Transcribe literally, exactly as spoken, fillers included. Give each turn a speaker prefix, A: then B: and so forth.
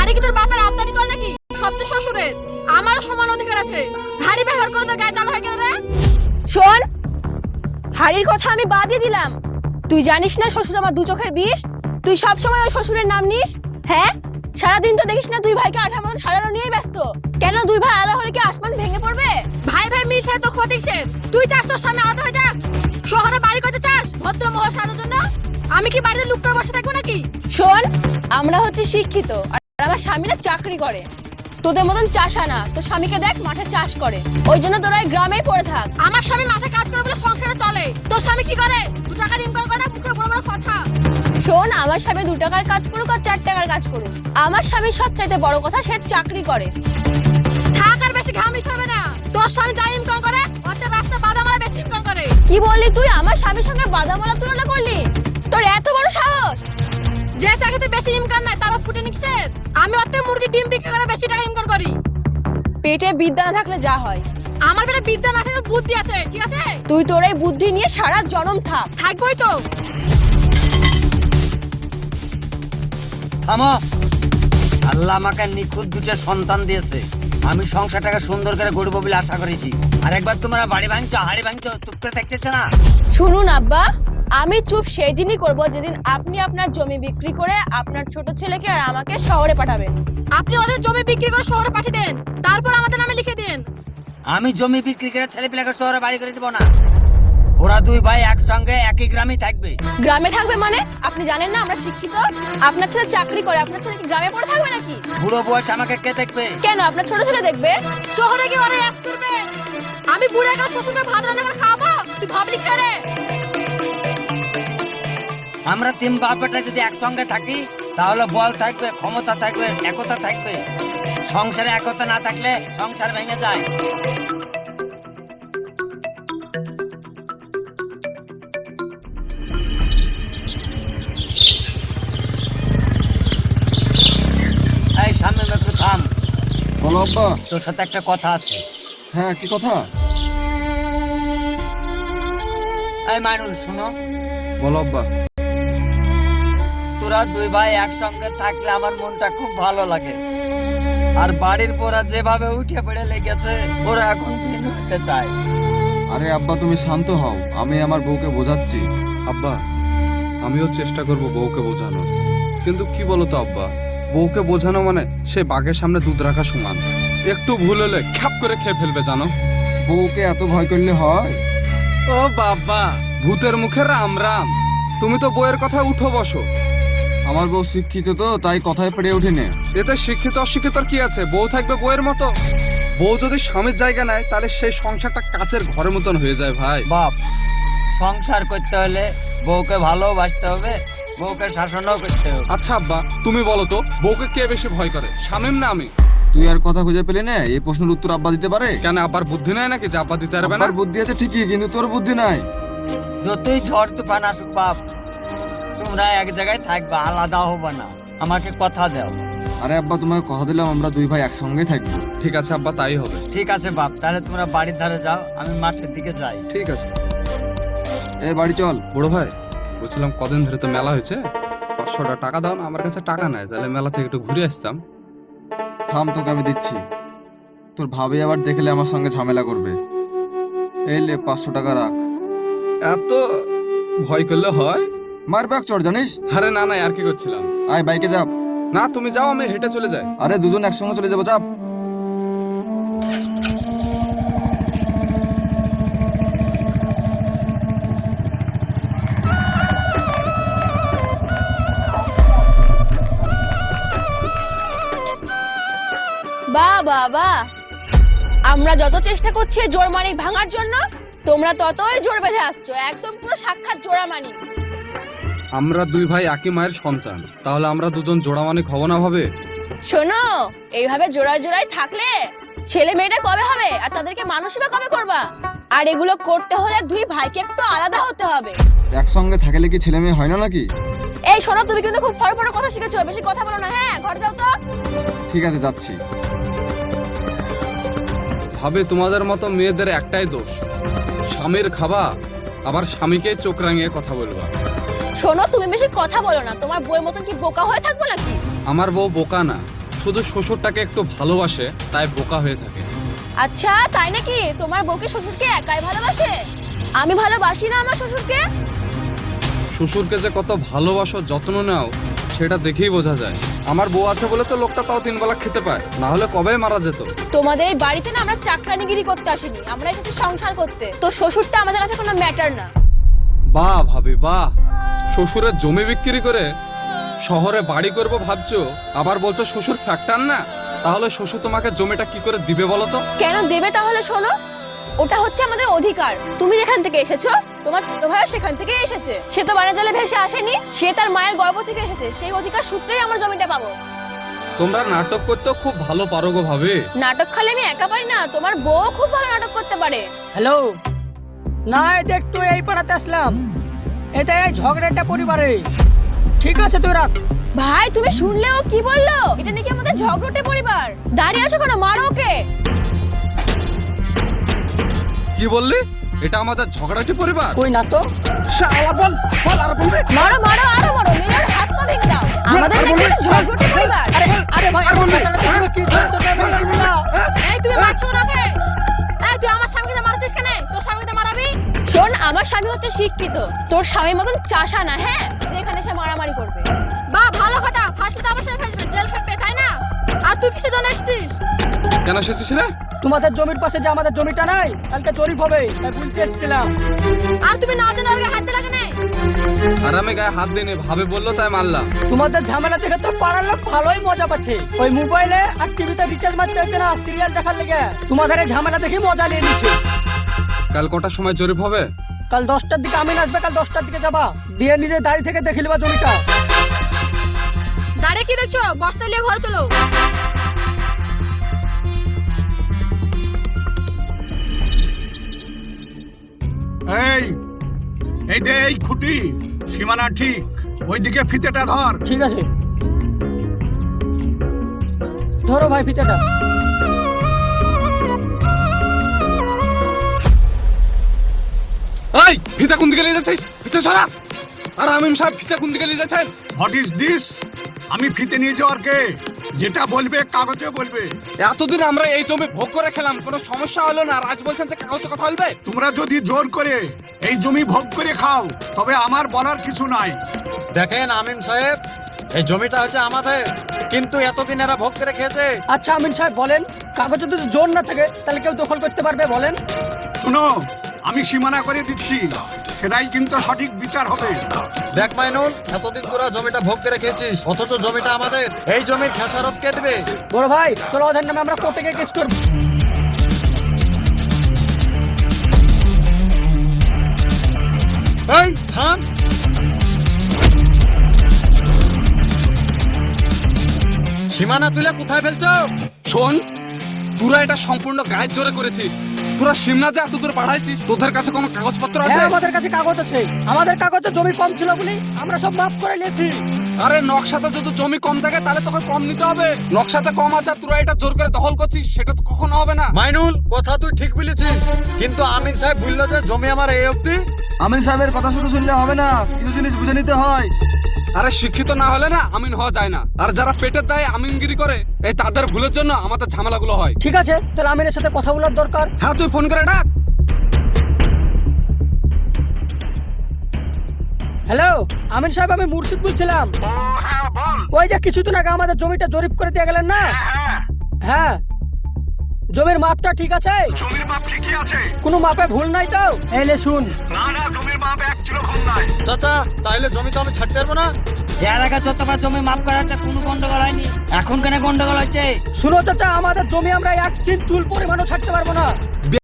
A: হাড়ি কি তোর বাপের আমদানি কর নাকি? সব তো শ্বশুরের। আমারও সমান অধিকার আছে। হাড়ি ব্যবহার করে তোর গায়ে জ্বালা হয় কেন রে?
B: শোন, হাড়ির কথা আমি বাদই দিলাম। তুই জানিস না শ্বশুর আমার দু চোখের বিষ? তুই সব সময় ওই শ্বশুরের নাম নিস। হ্যাঁ, সারাদিন তো দেখিস না দুই ভাইকে আঠার মতো সারানো নিয়েই ব্যস্ত। কেন দুই ভাই আলাদা হলে কি আসমান ভেঙে পড়বে?
A: ভাই ভাই মিল ছাড়া তোর ক্ষতি কিসের? তুই চাস তোর সামনে আলাদা হয়ে যাক? শহরে বাড়ি করতে চাস ভদ্র মহল সাজার জন্য? আমি কি বাড়িতে লুক করে বসে থাকবো নাকি?
B: শোন, আমরা হচ্ছে শিক্ষিত আর আমার স্বামীরা চাকরি করে। তোদের মতন চাষা না, তোর স্বামীকে দেখ মাঠে চাষ করে। ওই জন্য তোরা এই গ্রামেই পড়ে থাক।
A: আমার স্বামী মাঠে কাজ করে বলে সংসারে চলে। তোর স্বামী কি করে? দু টাকা ইনকাম করে না, মুখে বড় বড় কথা।
B: শোন, আমার স্বামী দু টাকার কাজ করুক আর চার টাকার কাজ করুক, আমার স্বামীর সবচাইতে বড় কথা সে চাকরি করে।
A: থাক আর বেশি ঘামলিতে হবে না। তোর স্বামী যা ইনকাম করে ওতে রাস্তা বাদামালা বেশি ইনকাম করে।
B: কি বললি তুই? আমার স্বামীর সঙ্গে বাদামালা তুলনা করলি? তোর এত বড় সাহস!
A: যে চাকরিতে বেশি ইনকাম নাই তারও ফুটে নিচ্ছে। আমি ওতে মুরগি ডিম বিক্রি করে বেশি টাকা ইনকাম করি।
B: পেটে বিদ্যা না থাকলে যা হয়।
A: আমার পেটে বিদ্যা না থাকলে বুদ্ধি আছে, ঠিক আছে?
B: তুই তোর এই বুদ্ধি নিয়ে সারা জনম থাক।
A: থাকবই তো।
C: থামো। আল্লাহ আমাকে নিখুঁত দুটো সন্তান দিয়েছে। আমি সংসারটাকে সুন্দর করে গড়বো বলে আশা করেছি। আর একবার তোমরা বাড়ি ভাঙছো, হাড়ি ভাঙছো, চুপ করে দেখতেছো না?
B: শুনুন আব্বা, আমি চুপ সেই দিনই করবো যেদিন আপনি আপনার জমি বিক্রি করে আপনার ছোট ছেলেকে আর আমাকে শহরে পাঠাবেন।
A: আপনি ওদের জমি বিক্রি করে শহরে পাঠিয়ে দেন, তারপর আমাদের নামে লিখে দেন।
C: আমি জমি বিক্রি করে ছেলে পেলেকে শহরে বাড়ি করে দেবো না। ওরা দুই ভাই একসঙ্গে একই গ্রামে থাকবে।
B: গ্রামে থাকবে মানে? আপনি জানেন না আমরা শিক্ষিত? আপনার ছেলে চাকরি করে, আপনার ছেলে কি গ্রামে পড়ে থাকবে নাকি?
C: বুড়ো বয়স আমাকে কে দেখবে?
B: কেন, আপনার ছোট ছেলে দেখবে।
A: শহরে গিয়ে ওরা অ্যাস করবে। আমি বুড়ো একটা শ্বশুরকে ভাত রান্না করে খাওয়াবো, তুই ভাবলি কি রে?
C: আমরা তিন বাপ বেটা যদি একসঙ্গে থাকি তাহলে বল থাকবে, ক্ষমতা থাকবে, একতা থাকবে। সংসারে একতা না থাকলে সংসার ভেঙে যায়। এই সামনে একটু থাম।
D: বলো আব্বা।
C: তোর সাথে একটা কথা আছে।
D: হ্যাঁ, কি কথা?
C: এই মাইনুল শুনো।
D: বলো আব্বা।
C: তোরা দুই ভাই একসঙ্গে থাকলে আমার মনটা খুব ভালো লাগে। আর বাড়ির পোড়া যেভাবে উঠে পড়ে লেগেছে, ওরা এখন ভিন্ন হতে চায়।
D: আরে আব্বা তুমি শান্ত হও, আমি আমার বউকে বোঝাচ্ছি। আব্বা, আমিও চেষ্টা করব বউকে বোঝানোর, কিন্তু কি বলতো আব্বা, বউকে বোঝানো মানে সে বাঘের সামনে দুধ রাখা সমান। একটু ভুল হলে খ্যাপ করে খেয়ে ফেলবে জানো। বউকে এত ভয় করলে হয়? ও বাবা, ভূতের মুখে রাম রাম। তুমি তো বউয়ের কথা উঠো বসো। আমার বউ শিক্ষিত তো তাই কথায় পেরে উঠেনি। এতে শিক্ষিত অশিক্ষিত কি আছে? বউ থাকবে বউয়ের মতো। বউ যদি স্বামীর জায়গা নেয় তাহলে সেই সংসারটা কাচের ঘরের মতন হয়ে যায় ভাই।
C: বাপ, সংসার করতে হলে বউকে ভালোবাসতে হবে, বউকে শাসনও করতে হবে।
D: আচ্ছা আব্বা, তুমি বলো তো বউকে কে বেশি ভয় করে, শামীম না আমি? তুই আর কথা খুঁজে পেলি না? এই প্রশ্নের উত্তর আব্বা দিতে পারে? কেন আব্বার বুদ্ধি নাই নাকি যে আব্বা দিতে পারবে না? আব্বার বুদ্ধি আছে ঠিকই, কিন্তু তোর বুদ্ধি নাই।
C: যতই ঝড় তুফান আসুক বাপ, তোমরা এক জায়গায় থাকবা, আলাদা হবে না। আমাকে কথা দাও।
D: আরে আব্বা, তোমাকে কথা দিলাম আমরা দুই ভাই একসঙ্গে থাকবো। ঠিক আছে আব্বা, তাই হবে।
C: ঠিক আছে বাপ, তাহলে তোমরা বাড়ির ধারে যাও, আমি মাঠের দিকে যাই।
D: ঠিক আছে। এই বাড়ি চল। বড় ভাই, বলছিলাম কদিন ধরে তো মেলা হয়েছে, পাঁচশোটা টাকা দাও না। আমার কাছে টাকা নাই, তাহলে মেলা থেকে একটু ঘুরে আসতাম। থাম, তোকে আমি দিচ্ছি। তোর ভাবি আবার দেখলে আমার সঙ্গে ঝামেলা করবে। এই লে পাঁচশো টাকা রাখ। এত ভয় করলে হয়? মার ব্যাগ চড় জানিস? আরে না না, আর কি করছিলাম। আয় বাইকে যাব। না তুমি যাও, আমি হেঁটে চলে যাই। আরে দুজন একসঙ্গে চলে যাবো, চাপ।
B: বা বাবা, আমরা যত চেষ্টা করছি জোর মানিক ভাঙার জন্য, তোমরা ততই জোর বেঁধে আসছো। একদম পুরো সাক্ষাৎ জোড়া মানিক।
D: আমরা দুই ভাই একই মায়ের সন্তান, তাহলে আমরা দুজন জোড়া মানিক হব না ভাবে?
B: শোনো, এইভাবে জোড়ায় জোড়ায় থাকলে ছেলে মেয়েটা কবে হবে আর তাদেরকে মানুষই বা কবে করবা? আর এগুলো করতে হলে দুই ভাইকে একটু আলাদা হতে হবে।
D: একসঙ্গে থাকলে কি ছেলে মেয়ে হয় না নাকি?
B: এই শোনো, তুমি কিন্তু খুব ফড় ফড় কথা শিখেছো, বেশি কথা বলো না। হ্যাঁ, ঘরে যাও তো।
D: ঠিক আছে, যাচ্ছি। ভাবে তোমাদের মতো মেয়েদের একটাই দোষ, স্বামীর খাবা আবার স্বামীকে চোখ রাঙিয়ে কথা বলবা।
B: শোনো, তুমি বেশি কথা বলো না। তোমার বউয়ের মতন কি বোকা হয়ে থাকবো নাকি?
D: আমার বউ বোকা না, শুধু শ্বশুরটাকে একটু ভালোবাসে তাই বোকা হয়ে থাকে।
B: আচ্ছা তাই নাকি? তোমার বউকে শ্বশুরকে একাই ভালোবাসে? আমি ভালোবাসি না আমার শ্বশুরকে।
D: শ্বশুরকে যে কত ভালোবাসো, যত্ন নাও, সেটা দেখেই বোঝা যায়। আমার বউ আছে বলে তো লোকটা তাও তিন বেলা খেতে পায়, না হলে কবে মারা যেত।
B: তোমাদের এই বাড়িতে না আমরা চাকরানিগিরি করতে আসিনি, আমরা এসেছি সংসার করতে। তো শ্বশুরটা আমাদের কাছে কোনো ম্যাটার না।
D: বাহ ভাবি বাহ, শ্বশুরের জমি বিক্রি করে শহরে বাড়ি করব ভাবছো, আবার বলছো শ্বশুর ফ্যাক্টর না। তাহলে শ্বশুর তোমাকে জমিটা কি করে দিবে বলো তো?
B: কেন দেবে তাহলে? শোনো, ওটা হচ্ছে আমাদের অধিকার। তুমি যেখান থেকে এসেছো, তোমার ছোট ভাইও সেখান থেকে এসেছে। সে তো বানের জলে ভেসে আসেনি, সে তার মায়ের গর্ভ থেকে এসেছে। সেই অধিকার সূত্রেই আমরা জমিটা পাবো।
D: তোমরা নাটক করতে খুব ভালো পারো গো ভাবি।
B: নাটক খালি আমি একা পারি না, তোমার বউ খুব ভালো নাটক করতে পারে।
E: হ্যালো, না এটা একটু এই পাড়াতে আসলাম, এটা এই ঝগড়াটা পরিবারে। ঠিক আছে তুই রাখ।
B: ভাই তুমি শুনলে ও কি বললো? এটা নাকি আমাদের ঝগড়টে পরিবার। দাঁড়িয়ে আছো কেন? মারো ওকে।
D: কি বললি? এটা আমাদের ঝগড়াটি পরিবার?
E: কই না তো।
D: শালা বল বল আর বলবে।
B: মারো মারো আরো মারো, মেরে ওর হাত পা ভেঙে দাও। আমাদের নাকি এটা ঝগড়টে পরিবার।
E: আরে আরে ভাই, আর বলবে কি করতে পারবি না?
A: এই তুমি মারছো না কে? এই তুই আমার স্বামীকে মারছিস কেন? তোর স্বামীকে মারাবি?
B: শোন, আমার স্বামী হচ্ছে শিক্ষিত, তোর স্বামীর মতন চাষা না। হ্যাঁ, যেখানে সে মারামারি করবে।
A: বা ভালো কথা, ফাঁসি তো আমার সাথে ফেসবে, জেল খাটবে, তাই না? আর তুই কিসের জন্য এসেছিস?
D: কেন এসেছিস রে?
E: তোমাদের জমির পাশে যে আমাদের জমিটা নাই, কালকে জরিপ হবে, তাই বলতে এসেছিলাম।
A: আর তুমি না জানো ওর গায়ে হাত দিলা কেন?
D: আর আমি গায়ে হাত দিইনি, ভাবে বললো তাই মারলাম।
E: তোমাদের ঝামেলা দেখে তো পাড়ার লোক ভালোই মজা পাচ্ছে। ওই মোবাইলে আর টিভিতে রিচার্জ মারতে হচ্ছে না সিরিয়াল দেখার লেগে। তোমাদের এই ঝামেলা দেখে মজা নিয়ে নিচ্ছে।
D: কাল কটার সময় জরিপ হবে?
E: কাল দশটার দিকে আমিন আসবে, কাল দশটার দিকে যাবা, দিয়ে নিজের দাড়ি থেকে দেখে নেবা জমিটা।
A: দাঁড়িয়ে কি দেখছো? বস্তা নিয়ে ঘরে চলো।
F: এই এই দে এই খুঁটি, সীমানা ঠিক ওইদিকে ফিতেটা ধর।
E: ঠিক আছে, ধরো ভাই ফিতেটা।
D: এই ফিতা কোন দিকে নিয়ে যাচ্ছিস? ফিতা সরা। আর আমিন সাহেব ফিতা কোন দিকে নিয়ে যাচ্ছেন?
F: What is this? আমি ফিতে নিয়ে যাওয়ার কে? যেটা বলবে কাগজে বলবে।
D: এতদিন আমরা এই জমি ভোগ করে খেলাম, কোনো সমস্যা হলো না, আর আজ বলছেন যে কাগজে কথা বলবে?
F: তোমরা যদি জোর করে এই জমি ভোগ করে খাও, তবে আমার বলার কিছু নাই।
G: দেখেন আমিন সাহেব, এই জমিটা হচ্ছে আমাদের, কিন্তু এতদিন এরা ভোগ করে খেয়েছে।
E: আচ্ছা আমিন সাহেব বলেন, কাগজে যদি জোর না থাকে তাহলে কেউ দখল করতে পারবে? বলেন।
F: শুনো, আমি সীমানা করে দিচ্ছি, সেটাই কিন্তু সঠিক বিচার হবে।
G: দেখ মাইনুল, এতদিন তোরা জমিটা ভোগ করে খেয়েছিস, অথচ জমিটা আমাদের। এই জমির খেসারত কে দেবে?
E: বড় ভাই চলো, ওদের নামে আমরা কোর্টে গিয়ে কেস করব।
G: এই থাম। সীমানা তুলে কোথায় ফেলছো?
D: শোন, তোরা এটা সম্পূর্ণ গায়ের জোরে করেছিস। তোরা সিমনা যে এত দূর বাড়াইছিস, তোদের কাছে কোনো কাগজপত্র আছে?
E: হ্যাঁ আমাদের কাছে কাগজ আছে। আমাদের কাগজে জমি কম ছিল বলে আমরা সব মাফ করে নিয়েছি।
D: আরে নকশাতে যদি জমি কম থাকে তাহলে তোকে কম নিতে হবে। নকশাতে কম আছে, আর তোরা এটা জোর করে দখল করছিস, সেটা তো কখনো হবে না।
G: মাইনুল, কথা তুই ঠিক বলেছিস, কিন্তু আমিন সাহেব বললো যে জমি আমার এই অবধি।
H: আমিন সাহেবের কথা শুধু শুনলে হবে না, কিছু জিনিস বুঝে নিতে হয়।
D: আরে শিক্ষিত না হলে না আমিন হওয়া যায় না। আর যারা পেটের দায়ে আমিনগিরি করে, এই তাদের ভুলের জন্য আমাদের ঝামেলাগুলো হয়।
E: ঠিক আছে, তাহলে আমিনের সাথে কথা বলার দরকার।
D: হ্যাঁ, তুই ফোন করে ডাক।
E: হ্যালো আমিন সাহেব, আমি মুর্শিদ বলছিলাম। ওই যে কিছুদিন আগে আমাদের জমিটা জরিপ করে দিয়ে গেলেন না? হ্যাঁ, জমির মাপটা ঠিক আছে?
F: জমির মাপ ঠিকই আছে,
E: কোনো মাপে ভুল নাই তো? এলে শুন,
F: না না, জমির মাপ এক কিলো কম নাই।
G: চাচা, তাইলে জমি তো আমি ছাড়তে পারবো না।
C: এর আগে যতবার জমি মাপ করা হচ্ছে কোনো গন্ডগোল হয়নি, এখন কেন গন্ডগোল হচ্ছে?
E: শুনো চাচা, আমাদের জমি আমরা এক চিন চুল পরিমাণও ছাড়তে পারবো না।